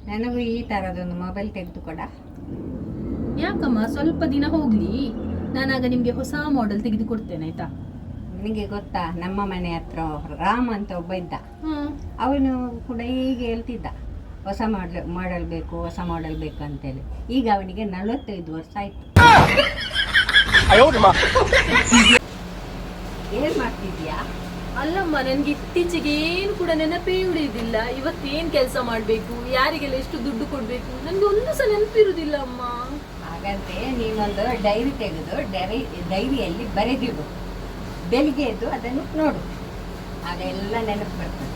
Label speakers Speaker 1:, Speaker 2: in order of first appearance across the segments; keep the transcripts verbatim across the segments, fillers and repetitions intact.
Speaker 1: ನನಗೂ ಈ ತರದೊಂದು ಮೊಬೈಲ್ ತೆಗೆದುಕೊಡ.
Speaker 2: ಯಾಕಮ್ಮ, ಸ್ವಲ್ಪ ದಿನ ಹೋಗ್ಲಿ, ನಾನಾಗ ನಿಮ್ಗೆ ಹೊಸ ಮಾಡೆಲ್ ತೆಗೆದು ಕೊಡ್ತೇನೆ ಆಯ್ತಾ.
Speaker 1: ನಿನಗೆ ಗೊತ್ತಾ, ನಮ್ಮ ಮನೆ ಹತ್ರ ರಾಮ್ ಅಂತ ಒಬ್ಬ ಇದ್ದ.
Speaker 2: ಹ್ಮ್
Speaker 1: ಅವನು ಕೂಡ ಹೀಗೆ ಹೇಳ್ತಿದ್ದ, ಹೊಸ ಮಾಡಲ್ ಮಾಡಲ್ ಬೇಕು ಹೊಸ ಮಾಡಲ್ ಬೇಕು ಅಂತೇಳಿ. ಈಗ ಅವನಿಗೆ ನಲವತ್ತೈದು ವರ್ಷ ಆಯ್ತು. ಏನ್ ಮಾಡ್ತಿದ್ಯಾ?
Speaker 2: ಅಲ್ಲಮ್ಮ, ನನ್ಗೆ ಇತ್ತೀಚೆಗೆ ಏನು ಕೂಡ ನೆನಪೇ ಉಳಿಯುದಿಲ್ಲ. ಇವತ್ತೇನ್ ಕೆಲಸ ಮಾಡ್ಬೇಕು, ಯಾರಿಗೆಲ್ಲ ಎಷ್ಟು ದುಡ್ಡು ಕೊಡ್ಬೇಕು, ನನ್ಗೆ ಒಂದು ಸಹ ನೆನಪಿರುದಿಲ್ಲ ಅಮ್ಮ.
Speaker 1: ಹಾಗಂತೆ ನೀನೊಂದು ಡೈರಿ ತೆಗೆದು ಡೈರಿ ಡೈರಿಯಲ್ಲಿ ಬರೆದಿಡು. ಬೆಳಿಗ್ಗೆ ಎದ್ದು ಅದನ್ನು ನೋಡು, ಆಗ ಎಲ್ಲ ನೆನಪು ಬರ್ತದೆ.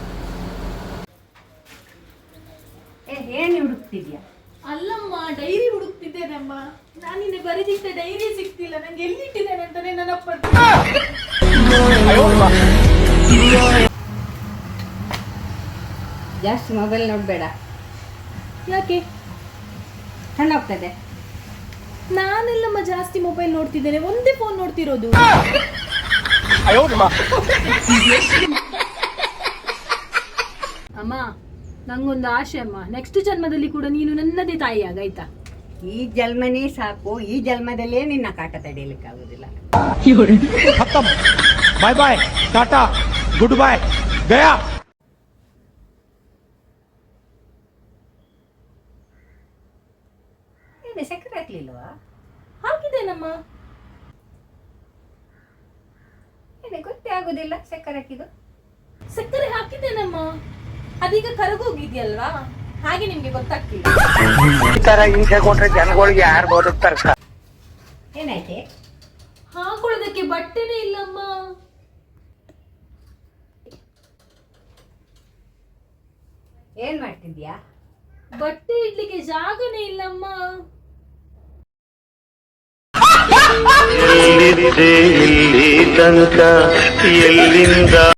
Speaker 1: ಏ ಏನು ಹುಡುಕ್ತಿದ್ಯಾ?
Speaker 2: ಅಲ್ಲಮ್ಮ, ಡೈರಿ ಹುಡುಕ್ತಿದ್ದೇನಮ್ಮ. ನಾನಿನ್ನೆ ಬರೆದಿದ್ದ ಡೈರಿ ಸಿಗ್ತಿಲ್ಲ, ನಂಗೆ ಎಲ್ಲಿಟ್ಟಿದ್ದೇನೆ ಅಂತಾನೆ ನೆನಪು.
Speaker 1: ಜಾಸ್ತಿ ಮೊಬೈಲ್ ನೋಡಬೇಡ.
Speaker 2: ಯಾಕೆ?
Speaker 1: ಕಣ್ಣೋಗ್ತದೆ.
Speaker 2: ನಾನೆಲ್ಲಮ್ಮ ಜಾಸ್ತಿ ಮೊಬೈಲ್ ನೋಡ್ತಿದ್ದೇನೆ, ಒಂದೇ ಫೋನ್ ನೋಡ್ತಿರೋದು. ಅಮ್ಮ, ನಂಗೊಂದು ಆಸೆ ಅಮ್ಮ, ನೆಕ್ಸ್ಟ್ ಜನ್ಮದಲ್ಲಿ ಕೂಡ ನೀನು ನನ್ನದೇ ತಾಯಿ ಆಗಾಯ್ತಾ.
Speaker 1: ಈ ಜನ್ಮನೇ ಸಾಕು, ಈ ಜನ್ಮದಲ್ಲೇ ನಿನ್ನ ಕಾಟ ತಡೆಯಲಿಕ್ಕೆ ಆಗುದಿಲ್ಲ.
Speaker 3: Bye bye, tata, goodbye, ಗಯಾ.
Speaker 1: ಏನೇ ಸಕ್ಕರೆ ಹಾಕ್ಲಿಲ್ವಾ?
Speaker 2: ಹಾಕಿದ್ದೇನಮ್ಮ.
Speaker 1: ಏನೇ ಗೊತ್ತೇ ಆಗುದಿಲ್ಲ ಸಕ್ಕರೆ ಹಾಕಿದ್ದು.
Speaker 2: ಸಕ್ಕರೆ ಹಾಕಿದ್ದೇನಮ್ಮ, ಅದೀಗ ಕರಗೋಗಿದ್ಯಲ್ವಾ, ಹಾಗೆ ನಿಮ್ಗೆ ಗೊತ್ತಾಗ್ತಿಲ್ಲ.
Speaker 3: ಈ ತರ ಹಿಂಸೆ ಕೊಟ್ರೆ ಜನಗಳಿಗೆ ಯಾರು ಬದುಕ್ತಾರ?
Speaker 1: ಏನಾಯ್ತೆ?
Speaker 2: ಹಾಕೊಳ್ಳೋದಕ್ಕೆ ಬಟ್ಟೆನೇ ಇಲ್ಲಮ್ಮ.
Speaker 1: ಏನ್ ಮಾಡ್ತಿದ್ಯಾ?
Speaker 2: ಬಟ್ಟೆ ಇಡ್ಲಿಕ್ಕೆ ಜಾಗನೇ ಇಲ್ಲಮ್ಮ.
Speaker 4: ಎಲ್ಲಿದೆ ಇಲ್ಲಿ ತನಕ ಎಲ್ಲಿಂದ